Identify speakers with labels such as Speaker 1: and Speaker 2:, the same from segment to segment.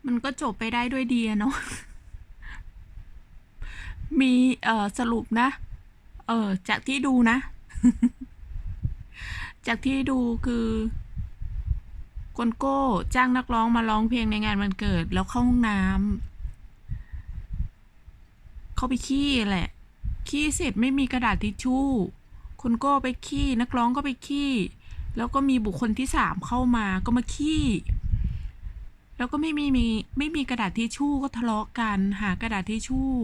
Speaker 1: มันก็จบไปได้ด้วยดีอะเนาะ มีสรุปนะ จากที่ดูนะ จากที่ดูคือโกโก้จ้างนักร้องมาร้องเพลงในงานวันเกิด แล้วเข้าห้องน้ำเข้าไปขี้แหละ ขี้เสร็จไม่มีกระดาษทิชชู่คนโก้ไปขี้นักร้องก็ไปขี้แล้วก็มีบุคคลที่สามเข้ามาก็มาขี้แล้วก็ไม่มีกระดาษทิชชู่ก็ทะเลาะกันหากระดาษทิชชู่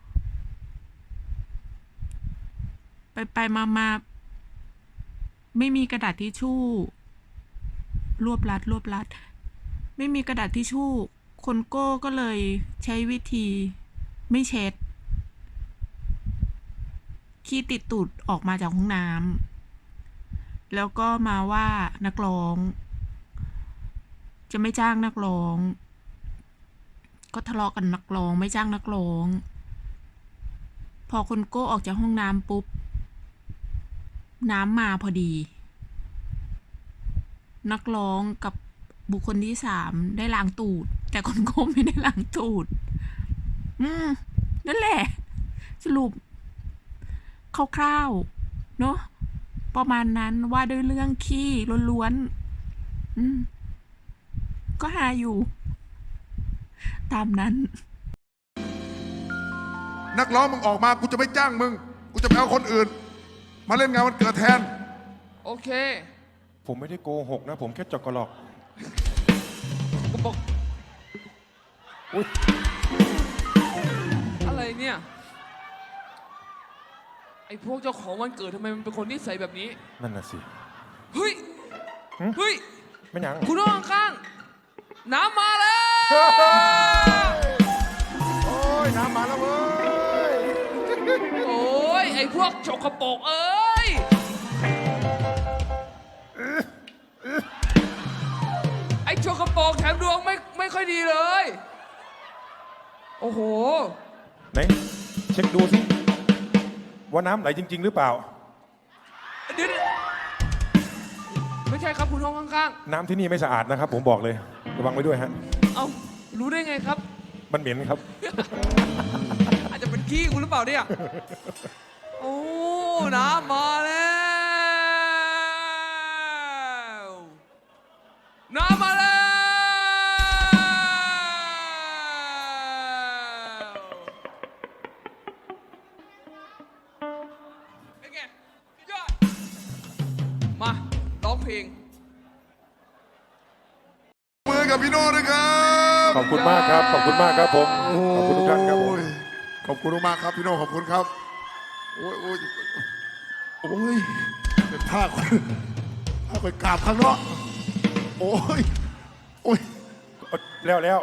Speaker 1: ไปมาไม่มีกระดาษทิชชู่รวบรัดไม่มีกระดาษทิชชู่คนโก้ก็เลยใช้วิธีไม่เช็ดขี้ติดตูดออกมาจากห้องน้ำแล้วก็มาว่านักร้องจะไม่จ้างนักร้องก็ทะเลาะกันนักร้องไม่จ้างนักร้องพอคนโก้ออกจากห้องน้ำปุ๊บน้ำมาพอดีนักร้องกับบุคคลที่สามได้ล้างตูดแต่คนโก้ไม่ได้ล้างตูดนั่นแหละสรุปคร่าวๆเนาะประมาณนั้นว่าด้วยเรื่องขี้ล้วนๆก็หาอยู่ตามนั้น
Speaker 2: นักร้องมึงออกมากูจะไม่จ้างมึงกูจะไปเอาคนอื่นมาเล่นงานวันเกิดแทน
Speaker 3: โอเค
Speaker 4: ผมไม่ได้โกหกนะผมแค่จอกกระหลอก
Speaker 3: กูบอกอะไรเนี่ยไอ้พวกเจ้าของวันเกิดทำไมมันเป็นคนนิสัยแบบนี้
Speaker 4: นั่นน่ะสิ
Speaker 3: เฮ้ย
Speaker 4: ไม่ยัง
Speaker 3: คุณน้องข้างน้ำมาแล้ว
Speaker 2: โอ้ยน้ำมาแล้วเว้ย
Speaker 3: โอ้ยไอ้พวกฉกกระโปกเอ้ยไอ้ฉกกระโปกแถมดวงไม่ค่อยดีเลยโอ้โห
Speaker 4: ไหนเช็คดูสิว่าน้ำไหลจริงๆหรือเปล่า
Speaker 3: เดี๋ยวไม่ใช่ครับคุณห้องข้าง
Speaker 4: ๆน้ำที่นี่ไม่สะอาดนะครับผมบอกเลยระวังไว้ด้วยฮะ
Speaker 3: เอารู้ได้ไงครับ
Speaker 4: มันเหม็นครับ
Speaker 3: อาจจะเป็นขี้คุณหรือเปล่าเนี่ยโอ้น้ำมาแล้วน้ำมาแล้วเป็นไงยอดมาร้องเพลง
Speaker 2: มือกับพี่โน่ด้วยครับ
Speaker 4: ขอบคุณมากครับขอบคุณมากครับผมขอบคุณทุกท่านครับผม
Speaker 2: ขอบคุณมากครับพี่โน่ขอบคุณครับโอ้ยถ้าคอยกราบข้างนอกโอ้ย
Speaker 4: แล้ว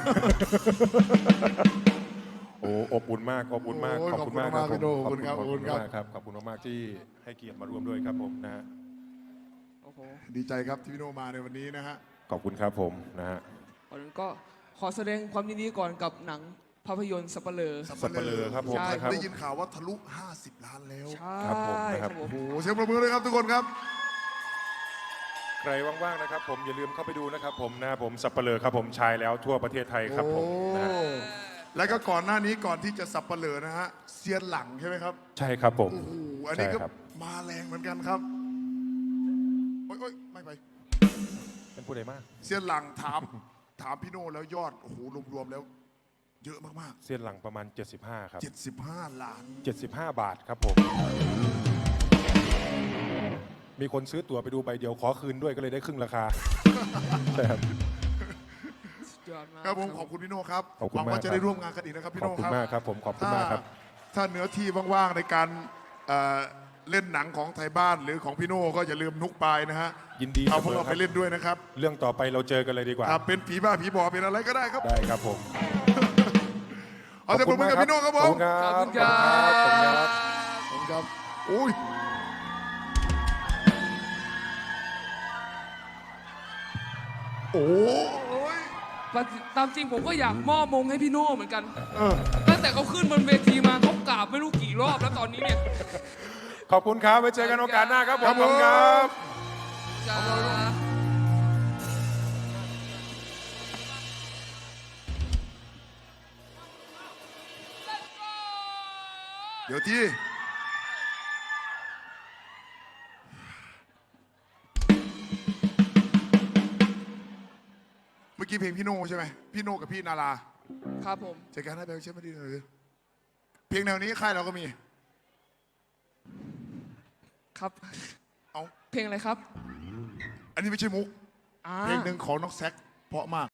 Speaker 4: โอ้อบอุ่นมากอบอุ่นมากขอบคุณมากครับ
Speaker 2: ขอบคุณครับขอบคุณ
Speaker 4: ครับขอบคุณมากที่ให้เกียรติมาร่วมด้วยครับผมนะฮะ
Speaker 2: ดีใจครับที่พี่โน่มาในวันนี้นะฮะ
Speaker 4: ขอบคุณครับผมนะฮะ
Speaker 3: ก่อนก็ขอแสดงความยินดีก่อนกับหนังภาพยนตร์สัปเหร่อ
Speaker 4: ครับผม
Speaker 2: ได้ยินข่าวว่าทะลุ50 ล้านแล้ว
Speaker 3: ใช่
Speaker 4: ครับผมนะครับ
Speaker 2: โอ้โหเสียงปรบมือเลยครับทุกคนครับ
Speaker 4: ใครว่างๆนะครับผมอย่าลืมเข้าไปดูนะครับผมนะผมสัปเหร่อครับผมชายแล้วทั่วประเทศไทยครับผมนะ
Speaker 2: แล้วก็ก่อนหน้านี้ก่อนที่จะสัปเหร่อนะฮะเซียนหลังใช่ไหมครับ
Speaker 4: ใช่ครับผม
Speaker 2: โอ้โหอันนี้ก็มาแรงเหมือนกันครับโอ้ยไม่ไป
Speaker 4: เป็นผู้ใดมาก
Speaker 2: เซียนหลังถามพี่โน่แล้วยอดโอ้โหรวมๆแล้วเยอะมาก
Speaker 4: ๆเซียนหลังประมาณ75ครับ
Speaker 2: 75 ล้าน
Speaker 4: 75 บาทครับผมมีคนซื้อตั๋วไปดูใบเดียวขอคืนด้วยก็เลยได้ครึ่งราคาใช่ครับ
Speaker 2: ครับผมขอบคุณพี่โน่ครับ
Speaker 4: หวัง
Speaker 2: ว่าจะได้ร่วมงานกันอีกนะครับพี่โน่ครับ
Speaker 4: ขอบคุณมากครับผมขอบคุณมากครับ
Speaker 2: ถ้าเนื้อที่ว่างๆในการเล่นหนังของไทยบ้านหรือของพี่โน่ก็อย่าลืมนุกปายนะฮะ
Speaker 4: ยินดี
Speaker 2: เอาพวกเราไปเล่นด้วยนะครับ
Speaker 4: เรื่องต่อไปเราเจอกันเลยดีกว่า
Speaker 2: เป็นผีบ้าผีบอเป็นอะไรก็ได้ครับ
Speaker 4: ได้ครับผม
Speaker 2: เอาแต่ผมกับพี่โน่ครับผม
Speaker 4: ขอบคุณครับ
Speaker 2: ขอบคุณครับโอ้ยโอ้ย
Speaker 3: ตามจริงผมก็อยากมอบมงให้พี่โน่เหมือนกันตั้งแต่เขาขึ้นบนเวทีมาเขากราบไม่รู้กี่รอบแล้วตอนนี้เนี่ย
Speaker 4: ขอบคุณครับไว้เจอกันโอกาสหน้าครับผมครับ
Speaker 2: เดี๋ยวที่เมื่อกี้เพลงพี่โน่ใช่ไหมพี่โน่กับพี่นารา
Speaker 3: ครับผม
Speaker 2: จัดการให้ไปเชื่อไม่ดีเลยเพลงแนวนี้ค่ายเราก็มี
Speaker 3: ครับ
Speaker 2: เอา
Speaker 3: เพลงอะไรครับ
Speaker 2: อันนี้ไม่ใช่มุก
Speaker 3: อ่า
Speaker 2: เพลงหนึ่งของน้องแซคเพราะมาก